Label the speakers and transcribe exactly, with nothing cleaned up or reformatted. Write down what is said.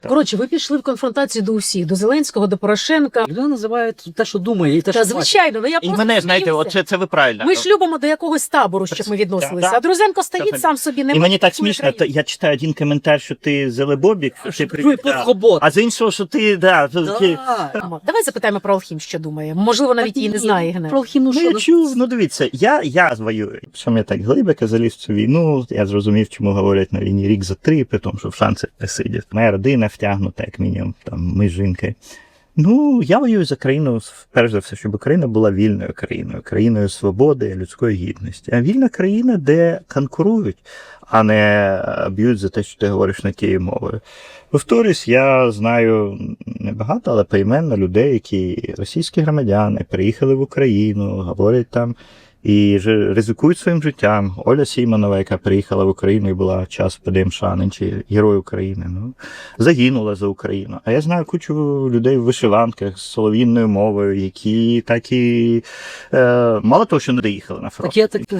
Speaker 1: Коротше, ви пішли в конфронтацію до усіх, до Зеленського, до Порошенка.
Speaker 2: Людина називає те, що думає, і те,
Speaker 1: Та
Speaker 2: що бачить.
Speaker 1: звичайно, ну я
Speaker 3: І
Speaker 1: просто
Speaker 3: мене, знаєте,
Speaker 1: сміюся.
Speaker 3: оце це ви правильно.
Speaker 1: Ми ж любимо до якогось табору, щоб ми відносилися.
Speaker 3: Да.
Speaker 1: А Друзенко стоїть
Speaker 3: Це-
Speaker 1: сам собі, не
Speaker 3: І мені так
Speaker 1: працює
Speaker 3: смішно, то
Speaker 1: країну.
Speaker 3: я читаю один коментар, що ти зелебобік, що ти
Speaker 2: Чує
Speaker 3: да.
Speaker 2: подхобот.
Speaker 3: А з іншого, що ти, да,
Speaker 2: Да.
Speaker 3: ти...
Speaker 1: Давай запитаємо про Алхім, що думає. Можливо, навіть її не знає Генер.
Speaker 2: Про алхімну
Speaker 3: Ну,
Speaker 2: що?
Speaker 3: я
Speaker 2: ну,
Speaker 3: чув, ну дивіться, я, я воюю. Чому я так глибоко заліз в цю війну, я зрозумів, чому говорять на війні рік за три, при тому, що в шансах не сидять. Моя родина втягнута, як мінімум, там, ми з жінкою. Ну, я воюю за країну, перш за все, щоб Україна була вільною країною, країною свободи, людської гідності. А вільна країна, де конкурують, а не б'ють за те, що ти говориш не тією мовою. Повторюсь, я знаю небагато, але поіменно людей, які російські громадяни, приїхали в Україну, говорять там і ж- ризикують своїм життям. Оля Сімонова, яка приїхала в Україну і була час в ПДМШ, чи Герой України, ну, загинула за Україну. А я знаю кучу людей в вишиванках з солов'їнною мовою, які так і е, мало того, що не доїхали на фронт.
Speaker 2: Так я так